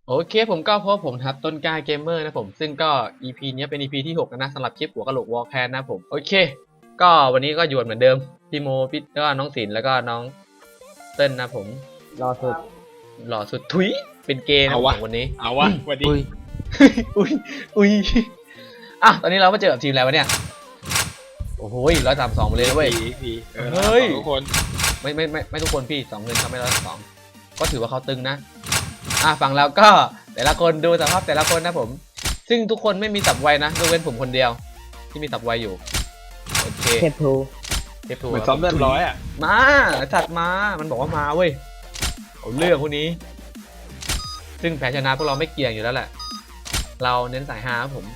โอเคผมก็พบผมครับต้นกล้าเกมเมอร์นะผมซึ่งก็ EP นี้เป็น EP ที่6นะสำหรับคลิปหัวกะโหลกวอลแคนนะผมโอเคก็วันนี้ก็อยู่เหมือนเดิมพี่โมพี่แล้วก็น้องศิลป์แล้วก็น้องเต้นนะผมรอสุดหล่อสุดทุยเป็นเกย์นะผมวันนี้เอาวะวันนี้อุ้ยอุ้ยอ่ะตอนนี้เรามาเจอกับทีมอะไรวะเนี่ยโอ้โห132เลยนะเว้ยผีเฮ้ยทุกคนไม่ทุกคนพี่2เงินทำให้132ก็ถือว่าเขาตึงนะฝั่งเราก็แต่ละคนดูสภาพแต่ละคนนะผมซึ่งทุกคนไม่มีสับไวนะยกเว้นผมคนเดียวที่มีสับไวอยู่โอเคเทปทูเทปทูเหมือนซ้อมเรียบร้อยอ่ะมาจัดมามันบอกว่ามาเว้ยเอาเรื่องพวกนี้ซึ่งแพ้ชนะพวกเราไม่เกี่ยงอยู่แล้วแหละเราเน้นสายฮาครับผม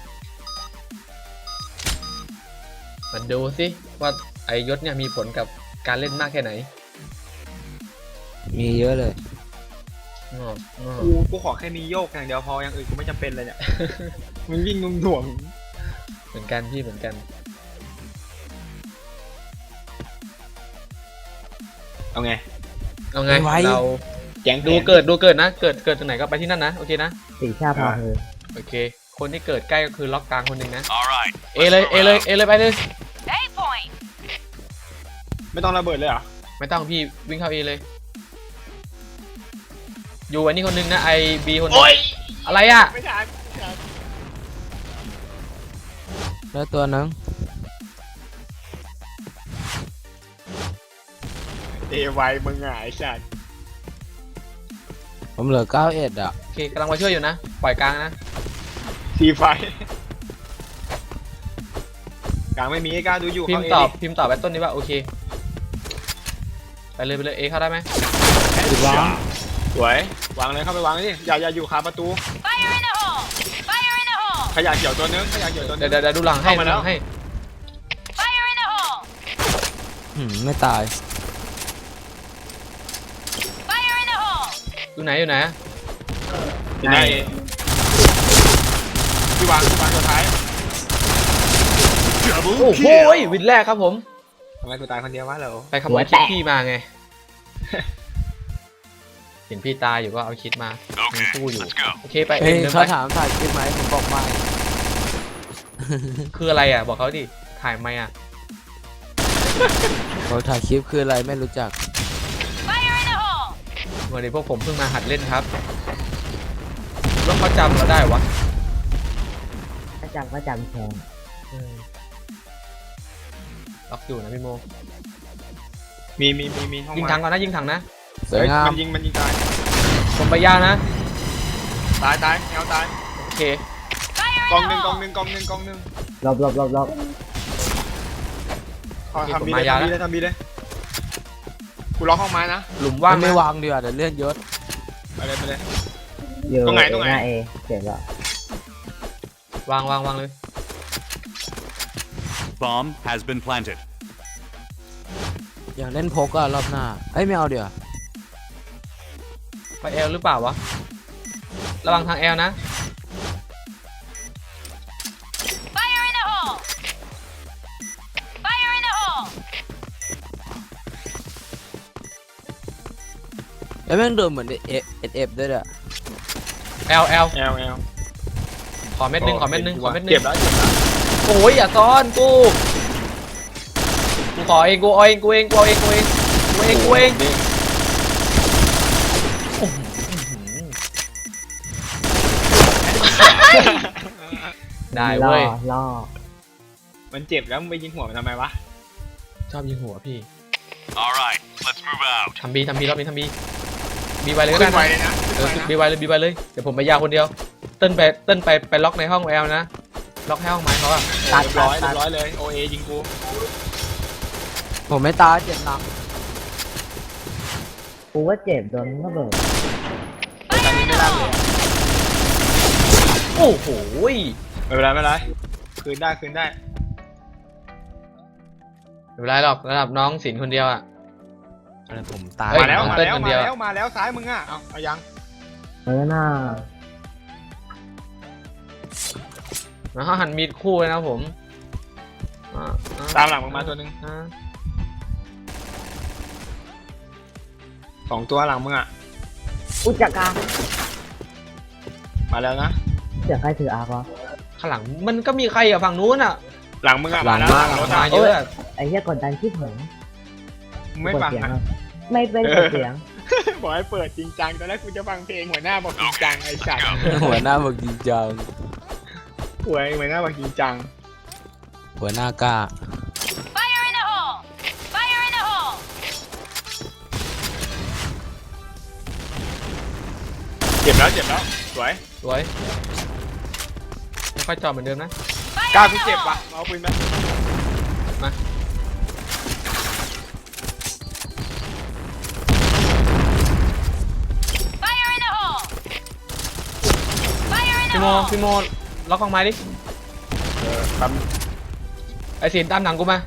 มาดูสิว่าไอยศเนี่ยมีผลกับการเล่นมากแค่ไหนมีเยอะเลยกูขอแค่นี้โยกอย่างเดียวพออย่างอื่นกูไม่จำเป็นเลยเนี่ยมึงวิ่งนุ่มถ่วงเหมือนกันพี่เหมือนกันเอาไงเอาไงไม่ไหวเราแจ้งดูเกิดนะเกิดตรงไหนก็ไปที่นั่นนะโอเคนะสีชาพาเธอโอเคคนที่เกิดใกล้ก็คือล็อกกลางคนหนึ่งนะ Alright. เอเลยไปเลย A point. ไม่ต้องระเบิดเลยเหรอไม่ต้องพี่วิ่งเข้าเอเลยอยู่อันนี้คนหนึงนะไอบีคนหนึงอะไรอ่ะไม่ทันแล้วตัวนึงเอไวมึงอ่ะไอ้สัตว์ผมเหลือ91อ่ะโอเคกำลังมาช่วยอยู่นะปล่อยกลางนะซีไฟกลางไม่มีไอ้กล้าดูอยู่พิมเขาพ์ตอบไอ้ต้นนี้ว่าโอเคไปเลยเอเข้าได้ไหมวางสวยวางเลยเข้าไปวางเลยดิอย่าอยู่คาประตู Fire in the hole. Fire in the hole. ขยะเขียวตัวนึงขยะเขียวตัวนึเดี๋งยวดูหลังให้เข้ามาแล้วดูหลังให้ Fire in the hole. ไม่ตาย Fire in the hole. อยู่ไหนอยู่ไหนที่วางตัวท้ายโอ้โหวินแรกครับผมทำไมกูตายคนเดียววะเหรอไปขโมยคิดพี่มาไง เห็นพี่ตายอยู่ก็เอาคิดมามี Okay, คู่อยู่ let's go. โอเคไปเฮ้ยเดินเขาไปถามถ่ายคลิปไหมผมบอกไม่คืออะไรอ่ะบอกเขาดิถ่ายไหมอ่ะบอกถ่ายคลิปคืออะไรไม่รู้จัก Fire in the hole. วันนี้พวกผมเพิ่งมาหัดเล่นครับแล้วเขาจำเราได้วะถ้าจำก็จำแทนล็อกอยู่นะพี่โมมีห้องยิงถังก่อนนะยิงถังนะสวยงามมันยิงตายผมไปยานะตายแนวตายโอเค Fire กอง in ห the นึ่ง hole. รอบทำบีเลยกูล็อกห้องไม้นะหลุมว่างไม่นะวางดีกว่าเดี๋ยวเลื่อนยศไปเลยอยู่ตรงไหนหน้าเอเสร็จแล้ววางเลย Bomb has been planted. อยากเล่นพกอะรอบหน้าเอ้ยไม่เอาเดี๋ยวไปแอลหรือเปล่าวะระวังทางแอลนะ Fire in the hole. Fire in the hole. แล้วแม่งโดนเหมือนเอฟด้วยอะแอลแอลขอเม็ดหนึงเก็บแล้วโอ้ยอย่าซ้อนกูขอเองกูเอาเองได้เว้ยล่อมันเจ็บแล้วมึงไปยิงหัวมันทำไมวะชอบยิงหัวพี่ Alright, let's move out. ทำบีรอบนี้ทำบีไวเลยก็ได้ขึ้นไวนะเลยนะบีไวเลยเดี๋ยวผมไปยาวคนเดียวเต้นไปล็อกในห้องแอลนะล็อกให้ห้องไม้เขาอะเรียบร้อยเลยโอเอยิงกูผมไม่ตายเจ็บหนักกูว่าเจ็บโดนระเบิดตอนนี้ไม่ได้เลยโอ้โหไม่เป็นไรคืนได้ไม่เป็นไรหรอกระดับน้องศิลป์คนเดียวอะผมตายเฮ้ยมาแล้วเต้นคนเดียวซ้ายมึงอ่ะเอายังน่าแล้วเขาหันมีดคู่เลยนะผมตามหลังมึงมาตัวนึง 2 ตัวหลังมึงอ่ะอุจจาระมาแล้วนะเสียงใครถืออาร์ควะข้างหลังมันก็มีใครอะฝั่งนู้นอะหลังมึงอะหลัมาง แล้วมาหลังรถมาอะเยอะอะไอ้เหี้ยกดดันคิดเหมือนมึงไม่ฟังเสียงนะอะไม่เป็นเปิดเสียงบอกให้เปิดจริงจังตอนแรกกูจะฟังเพลงหัวหน้าบอกจริงจังไอ้สัตว์หัวหน้าบอกจริงจังหัวหน้าบอกจริงจังหัวหน้ากล้า Fire in the hole! Fire in the hole! เจ็บแล้วสวยสวยไม่ค่อยจอดเหมือนเดิมนะ Fire กล้า in กู the เจ็บ hole! ว่ะเอาปืนไปมา Fire in the hole! Fire in the พี่โม hole! พี่โมล็อกกองไม้ดิครับไอ้สินตามหลังกูมา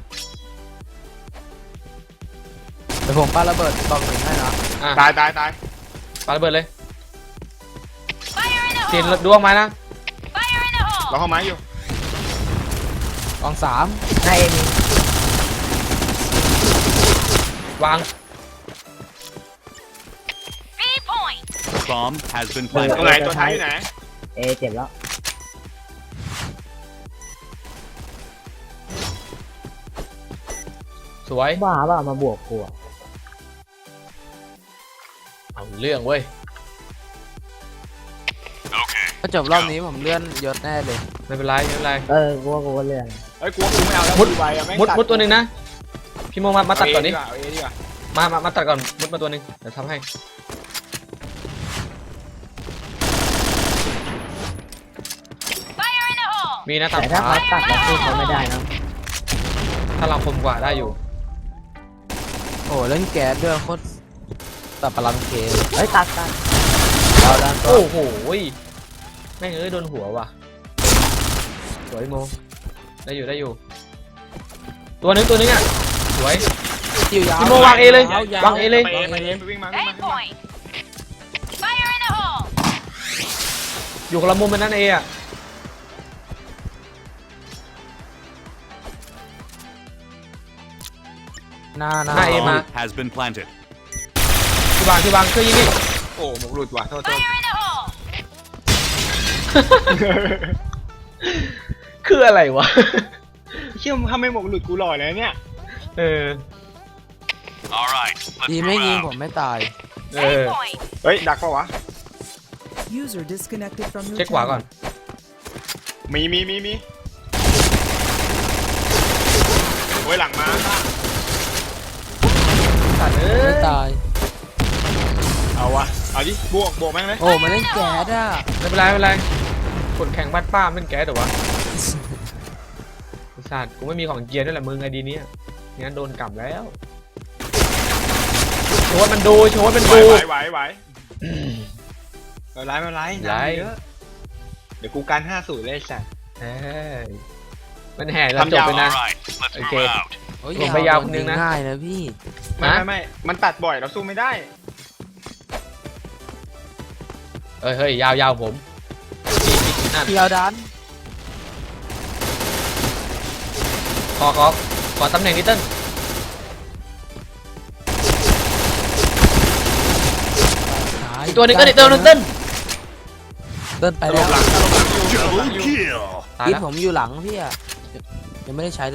เดี๋ยวผมปาระเบิดกล่องหนึ่งให้นะอ่ะตายปาระเบิดเลย Fire in the สิน hole! ดวงไม้นะ Fire in the เรา hole! เข้าไม้อยู่กล่อง3ให้เอ็มวาง B point! Bomb has been ตรง planted. ไหนตัวท้ายอยู่ไหนเอเจ็บแล้วสวยบ้าป่ะมาบวกกูอะเอาเรื่องเว้ย Okay. ถ้าจบรอบนี้ผมเลื่อนยศแน่เลยไม่เป็นไรไม่เป็นไรกูว่าเลื่อนเฮ้ยกูไม่เอาแล้วมุดดูใบอะแม่งมุดตัวหนึ่งนะพี่โมมาตัดก่อนดิเอาเอดีกว่ามาตัดก่อนมุดมาตัวหนึ่งเดี๋ยวทำให้ Fire in the hole! มีนะตามแต่ขถ้าเขาวาตัดแล้วสู้เขาไม่ได้นะถ้าเราคมกว่าได้อยู่โอ้เล่นแก๊สด้วยโคตรตัดพลังเคเฮ้ยตัดเอาด้านตัวโอ้โหแม่งเอ้ยโดนหัวว่ะสวยโมได้อยู่ตัวหนึงอ่ะสวยจิ้วยาวพี่โมวางเอเลยยาววางเอเลยไปวิ่งมา A point! Fire in the hole! อยู่คนละมุมมันนั่นเองอ่ะหน้าหน้าเอมา Bomb has been planted. ที่วางเครื่องยิงนี่โอ้หมกหลุดว่ะโทษ Fire in the hole! คืออะไรวะเชื่อมถ้าไม่หมกหลุดกูหล่อเลยเนี่ยเออ All right, let's ดี move ไม่ยิง out. ผมไม่ตายเอ A อ point! เฮ้ยดักปะวะ User disconnected from your เช็คขวา channel. ก่อนมีโอ้ยหลังมาสัตว์เอ้ไม่ยตายเอาวะเอาดิบวกแม่งเลยโอ้มาเล่นแก๊สอ่ะไม่เป็นไรกดแข่งบ้านป้าเป็นแก๊สเหรอวะไอ้สัตว์กูไม่มีของเกียร์ด้วยแหละมึงไอดีเนี้ยงั้นโดนกลับแล้วโชว์มันดูไหวไม่เป็นไรน้ำเยอะเดี๋ยวกูการ50เลยสัตว์เอ้ยมันแห่เราจบไปนะ All right, let's move Okay. out. โอ้ยผมไปยาวคนนึงนะง่ายนะพี่ไม่มันตัดบ่อยเราสู้ไม่ได้เฮ้ยยาวผมนั่นเที่ยวดันขอตำแหน่งนิดเติ้ล อีกตัวหนึงก็เติ้ลเติ้ลไปตลแล้วบหลังอยู่ Double kill. ตายที่แล้วผมอยู่หลังพี่อ่ะยังไม่ได้ใช้เลย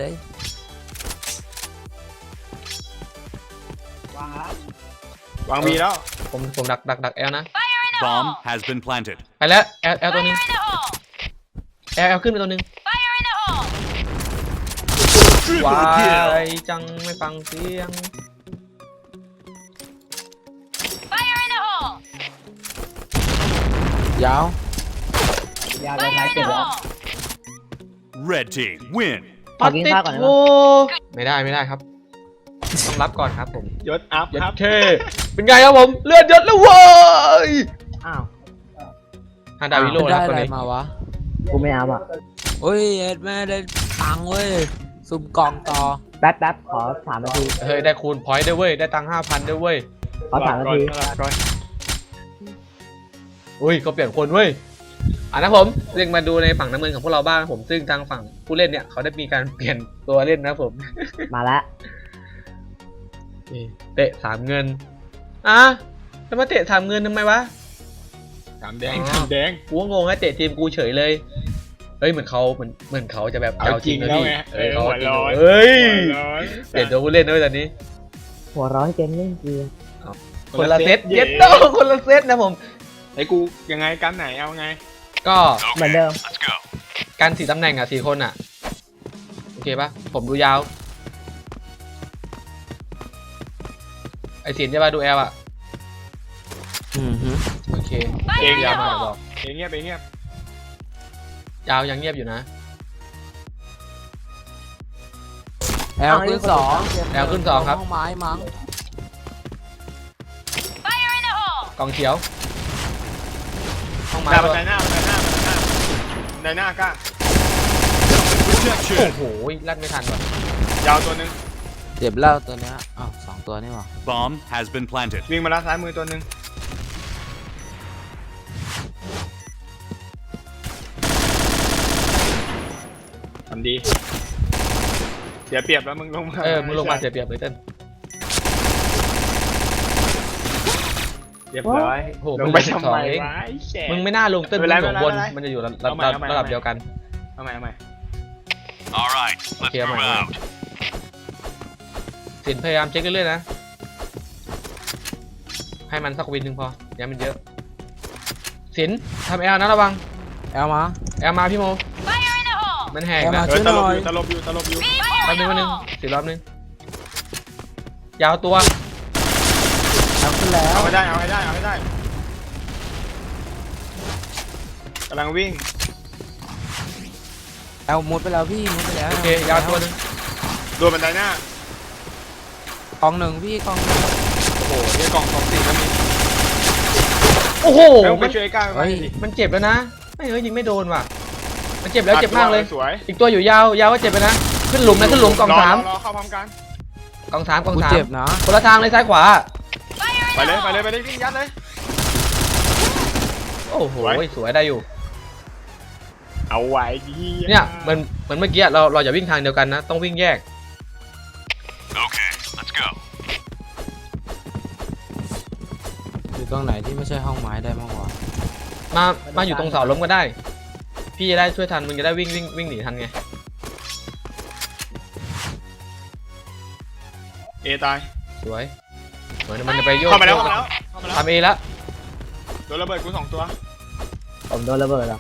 วางมีแล้วผมดักแอลนะ Bomb has been planted. ไปแล้วแอลตัวหนึง Fire in the hole! แอลขึ้นไปตัวหนึง Fire in the hole! วา Triple kill. ยจังไม่ฟังเสียง Fire in the hole! ยาว Fire in the hole! Red team win. ขอกินข้าวก่อนได้ไหมโอ้ไม่ได้ครับต้องรับก่อนครับผมยศอัพยัดครับเคเป็นไงครับผมเลือดยศแล้วเว้ยอ้าวฮาดาวิโลได้นะอะตัวไรนี้มาวะกูไม่เอาอ่ะโอ้ยเอ็ดแม่ได้ตังค์เว้ยสุ่มกล่องต่อแป๊บขอ3 นาทีเฮ้ยได้คูณพอยต์ด้วยเว้ยได้ตังค์ 5,000ด้วยเว้ยขอ3 นาทีก่อนอุ้ยเขาเปลี่ยนคนเว้ยนะผมเรียกมาดูในฝั่งน้ำเงินของพวกเราบ้างนะผมซึ่งทางฝั่งผู้เล่นเนี่ยเขาได้มีการเปลี่ยนตัวเล่นนะผมมาแล้วนี่เตะ3 เงินจะมาเตะ3 เงินทำไมวะสามแดงสามแดงกูก็งงนะเตะทีมกูเฉยเลยเฮ้ยเหมือนเขาจะแบบเอาจริงนะแล้วพี่ไงเขาหัวจริงร้อนเฮ้ยหัวร้อนเปลี่ยนตัวผู้เล่นด้วยตอนนี้หัวร้อนเกมเล่นเกียร์คนละเซตเย็ดโตคนละเซตนะผมไอ้กูยังไงกันไหนเอาไงก็เหมือนเดิมการ4 ตำแหน่งอ่ะ4 คนอ่ะโอเคปะผมดูยาวไอเสียนจะมาดูแอลอ่ะ โอเคเองยาวมาเดี๋ยวบอกเองเงียบเองเงียบยาวยังเงียบอยู่นะแอลขึ้นสองแอลขึ้น2ครับห้องไม้มั้ง Fire in the hole! กองเขียวห้องหไม้น้าบันไดหน้าบันไดหน้าบันไดหน้ากล้าโอ้โหลั่นไม่ทันว่ะยาวตัวหนึงเจ็บแล้วตัวเนี้ยอ้าว2 ตัวนี่หว่า Bomb has been planted. วิ่งมาแล้วซ้ายมือตัวหนึงทำดีเสียเปรียบแล้วมึงลงมามึงลงมาเสียเปรียบเลยเต้นเรียบร้อยโอ้โหลงไปมึงทำไมเองวะไอ้แฉะมึงไม่น่าลงเต้นไม่มึงเป็นอยู่ไรบนไม่เป็นไรมันจะอยู่ระเอาใหม่เอาใหม่ดับเดียวกันเอาใหม่เอาใหม่ All right, let's Okay, I'm move right. out. สินพยายามเช็คเรื่อยๆนะ ให้มันสักวินหนึ่งพออย่ามันเยอะ สินทำแอลนะระวังแอลมาแอลมาพี่โม Fire in the hole! มันแหกแอลนะมาเออตลบอยู่ตลบอยู่ตลบอยู่รอบนึงวันนึงสิรอบนึงยาวตัวแอลขึ้นแล้วเอาให้ได้เอาให้ได้เอาให้ได้กำลังวิ่งแอลมุดไปแล้วพี่มุดไปแล้วโอเคยาวตัวนึงโดนบันไดหน้ากองหนึ่งพี่กองหนึ่งโอ้โหเนี่ยกล่อง2 4ก็มีโอ้โหแล้วไปมันช่วยไอ้ก้าวไปดิมันเจ็บแล้วนะไม่เอ้ยยิงไม่โดนว่ะ มันเจ็บแล้วเจ็บมากเลยสวยอีกตัวอยู่ยาวยาวก็เจ็บไปนะ ขึ้นหลุมนะขึ้นหลุมกองร 3 รอเข้าพร้อมกันกอง3กองกู 3 เจ็บนะคนละทางเลยซ้ายขวา Fire in ไป the เลย hole! ไปเลยไปเลยวิ่งยัดเลยโอ้โหสวยสวยได้อยู่เอาไว้ดีเนี่ยเหมือนเมื่อกี้เราอย่าวิ่งทางเดียวกันนะ ต้องวิ่งแยก Okay, let's go. อยู่ตรงไหนที่ไม่ใช่ห้องไม้ได้บ้างวะมาอยู่ตรงเสาล้มก็ได้ พี่จะได้ช่วยทันมึงจะได้วิ่งหนีทันไงเอตายสวยเหมือนมันจะไปโยกเข้ามาแล้วเข้ามาแล้วเข้ามาแล้วทำเอแล้วโดนระเบิดกู2 ตัวผมโดนระเบิดอ่ะ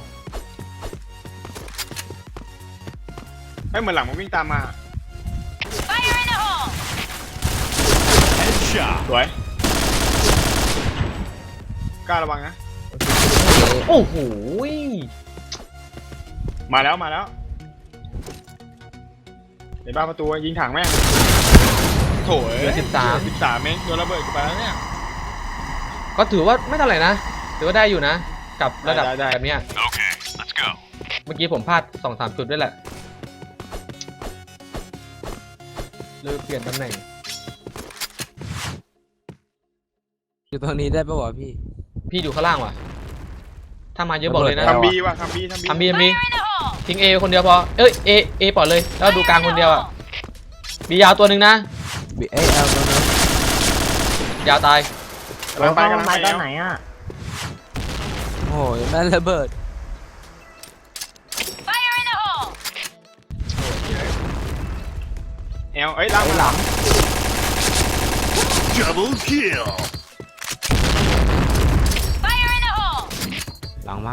เฮ้ยเหมือนหลังมันวิ่งตามมา Fire in the hole! Headshot. สวยกล้าระวังนะโอ้โหมาแล้วมาแล้วในบ้านประตูยิงถังแม่งโถ่เหลือ13 เองโดนระเบิดกูไปแล้วเนี่ยก็ถือว่าไม่เท่าไหร่นะถือว่าได้อยู่นะ กับระดับได้แบบเนี้ย Okay, let's go. เมื่อกี้ผมพลาด 2-3 จุดด้วยแหละเลยเปลี่ยนตำแหน่งอยู่ตรงนี้ได้ปะวะพี่พี่อยู่ข้างล่างว่ะ ถ้ามาเยอะบอกเลยนะระเบิดทำบีว่ะทำบีทำบี Fire in the hole! ทิ้งเอคนเดียวพอ เอ้ยเอปล่อยเลย แล้วดูกลางคนเดียวอ่ะบียาวตัวหนึ่งนะบีเอแอลตัวนั้นยาวตายกำลังไปกำลังไปตอนไหนอ่ะโอ้ยแม่นระเบิด Fire in the hole! เอลเอ้ยหลังหลัง Double kill. Fire in the hole! หลังมาก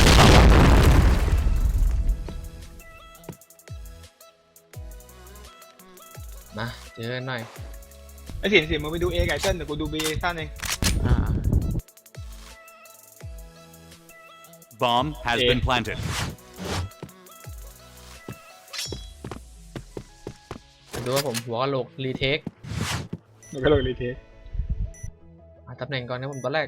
มาเจอกันหน่อยไอ้สินมึงไปดูเอไก่เต้นเดี๋ยวกูดูบีท่านเองอ่า Bomb has Okay. been planted. ดูว่าผมหัวกะโหลกรีเทคมันก็เลยรีเทสตำแหน่งก่อนนะผมตอนแรก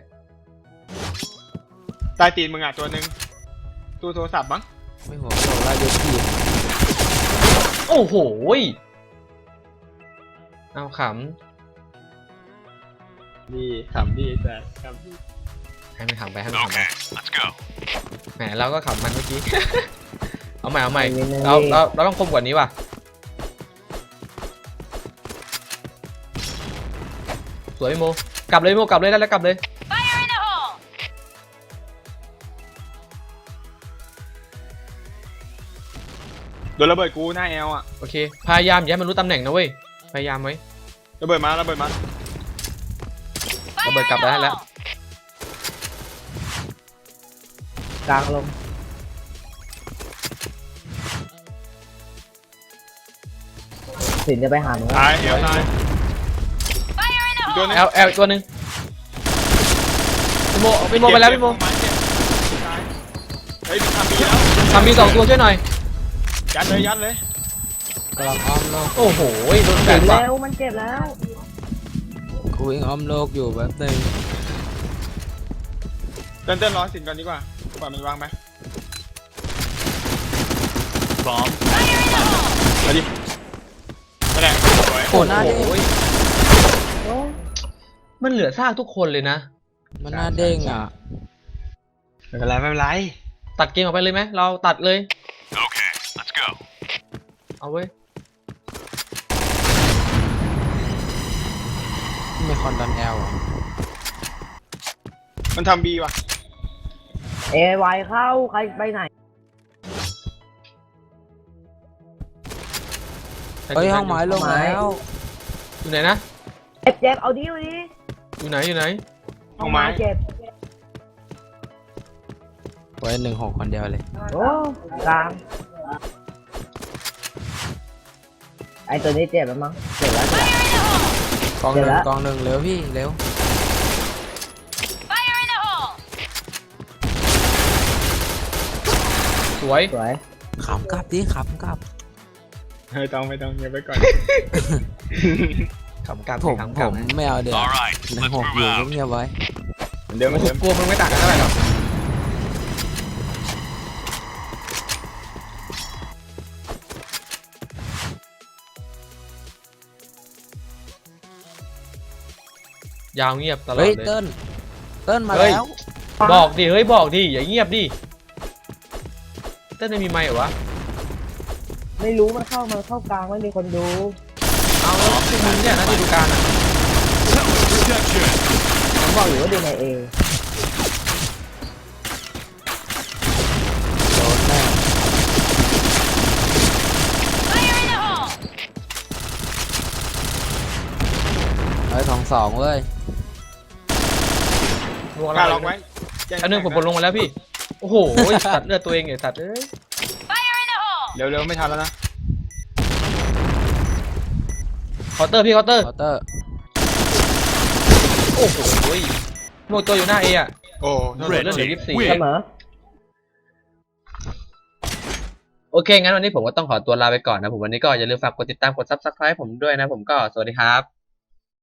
ใต้ตีนมึงอ่ะตัวหนึ่งตู้โทรศัพท์มั้งไม่หัวโดนไล่ยกทีโอ้โหยเอาขดีขำดีแต่ขำดีำให้มันขำไปให้มันขำไป Okay, let's go. แหมเราก็ขำมันเมื่อกี้ เอาใหม่เราต้องคมกว่านี้ว่ะ สวยพี่โม กลับเลยพี่โมกลับเลยได้แล้วกลับเลย Fire in the hole! โดนระเบิดกูหน้าแอลอ่ะโอเคพยายามอย่าให้มันรู้ตำแหน่งนะเว้ยพยายามไว้ระเบิดมาระเบิดมาระเบิดกลับได้แล้วกลางลงสินจะไปหามึงตายแอลตาย Fire in the ตัว hole! นึงแอลตัวหนึ่งพี่โมไปแล้วพี่โมเฮ้ยทำบีแล้วทำมี2 ตัวช่วยหน่อยยัดเลยกำลังอ้อมโลกโอ้โหโดนแบกว่ะมันเจ็บแล้วกูวิ่งอ้อมโลกอยู่แบบนึงเต้นรอสินก่อนดีกว่าปล่อยมันวางไป Bomb. Fire in the hole! มาดินั่นแหละสวยโอ้หน้าเด้งมันเหลือซากทุกคนเลยนะมันหน้าเด้งอ่ะไม่เป็นไรตัดเกมออกไปเลยไหมเราตัดเลย Okay, let's go. เอาเว้ยไม่คอนดอนแอลอ่ะมันทำบีว่ะเอไวเข้าใครไปไหนเฮ้ยห้องไม้ลงแล้วอยู่ไหนนะเจ็บเอาดิวดิอยู่ไหนอยู่ไหนห้องไม้เจ็บไว้16คนเดียวเลยโอ้กลางไอตัวนี้เจ็บแล้วมั้งเจ็บแล้วเจ็บแล้วกองหเดี๋นึ่ยวงละกองหนึ่งเร็วพี่เร็ว Fire in the hole! สวยสวยขำกลับดิขำกลับไม่ต้องเงียบไปก่อนขำกลับผมขำกลับไม่เอาเดี๋ยว All right, ใน let's หก move อยู่ out. เงียบๆไว้เหมือนเดิมกลัวมึงไม่ต่างกันเท่าไหร่หรอกยาวเงียบตลอดเฮ้ยเลยเติ้ลมาเฮ้ยแล้วบอกดิเฮ้ยบอกดิอย่าเงียบดิเต้นไม่มีไมค์เหรอวะไม่รู้มันเข้ากลางไม่มีคนดูเอาแล้วคือมึงเนี่ยนะที่ดูการอ่ะ Protection. ผมบอกอยู่ว่าดูในเอโดนแน่ Fire in the hole! เฮ้ย2-2เว้ยลวงกล้าเราล็อกไว้อันนึงผมบนลงมาแล้วพี่โอ้โหตัดเลือดตัวเองไงตัดเอ้ย Fire in the hole! เร็วไม่ทันแล้วนะเคาน์เตอร์พี่เคาน์เตอร์เคาน์เตอร์โอ้โหโมตัวอยู่หน้าเออะโอ้โดนเลือดเหลือ Red 24 team เส win. มอโอเคงั้นวันนี้ผมก็ต้องขอตัวลาไปก่อนนะผมวันนี้ก็อย่าลืมฝากกดติดตามกด Subscribe ผมด้วยนะผมก็สวัสดีครับ